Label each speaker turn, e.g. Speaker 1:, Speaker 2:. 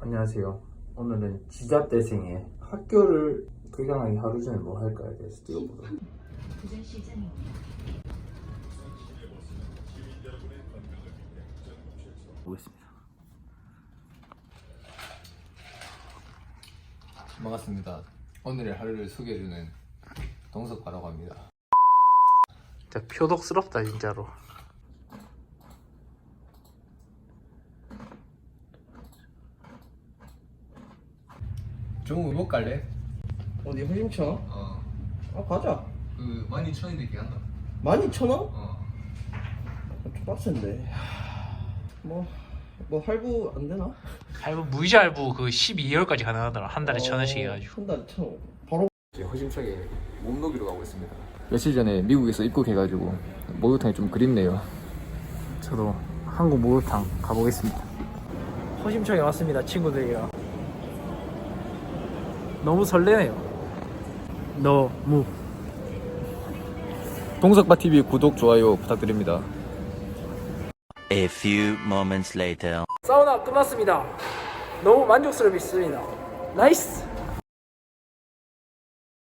Speaker 1: 안녕하세요. 오늘은 지자대생의 학교를 개강하기 하루 전에 뭐 할까에 대해서 뛰어보도록 보겠습니다.
Speaker 2: 반갑습니다. 오늘의 하루를 소개해주는 동석바라고 합니다.
Speaker 1: 진짜 표독스럽다 진짜로.
Speaker 2: 종우 못 갈래?
Speaker 3: 어디 허심천?
Speaker 2: 어.
Speaker 3: 아 가자.
Speaker 2: 그 12,000원인데 걔한다.
Speaker 3: 12,000원?
Speaker 2: 어.
Speaker 3: 좀 빡센데. 뭐 할부 안 되나?
Speaker 4: 할부 무이자 할부 그 12개월까지 가능하더라. 한 달에 1,000원씩 해가지고.
Speaker 3: 한 달에 1,000원. 바로.
Speaker 2: 이제 허심차게 몸놀이로 가고 있습니다. 며칠 전에 미국에서 입국해가지고 목욕탕이 좀 그립네요.
Speaker 1: 저도 한국 목욕탕 가보겠습니다.
Speaker 4: 허심청에 왔습니다, 친구들이랑. 너무 설레네요. 너무.
Speaker 2: 동석바TV 구독, 좋아요 부탁드립니다.
Speaker 5: A few moments later.
Speaker 4: 사우나 끝났습니다. 너무 만족스럽습니다. 나이스.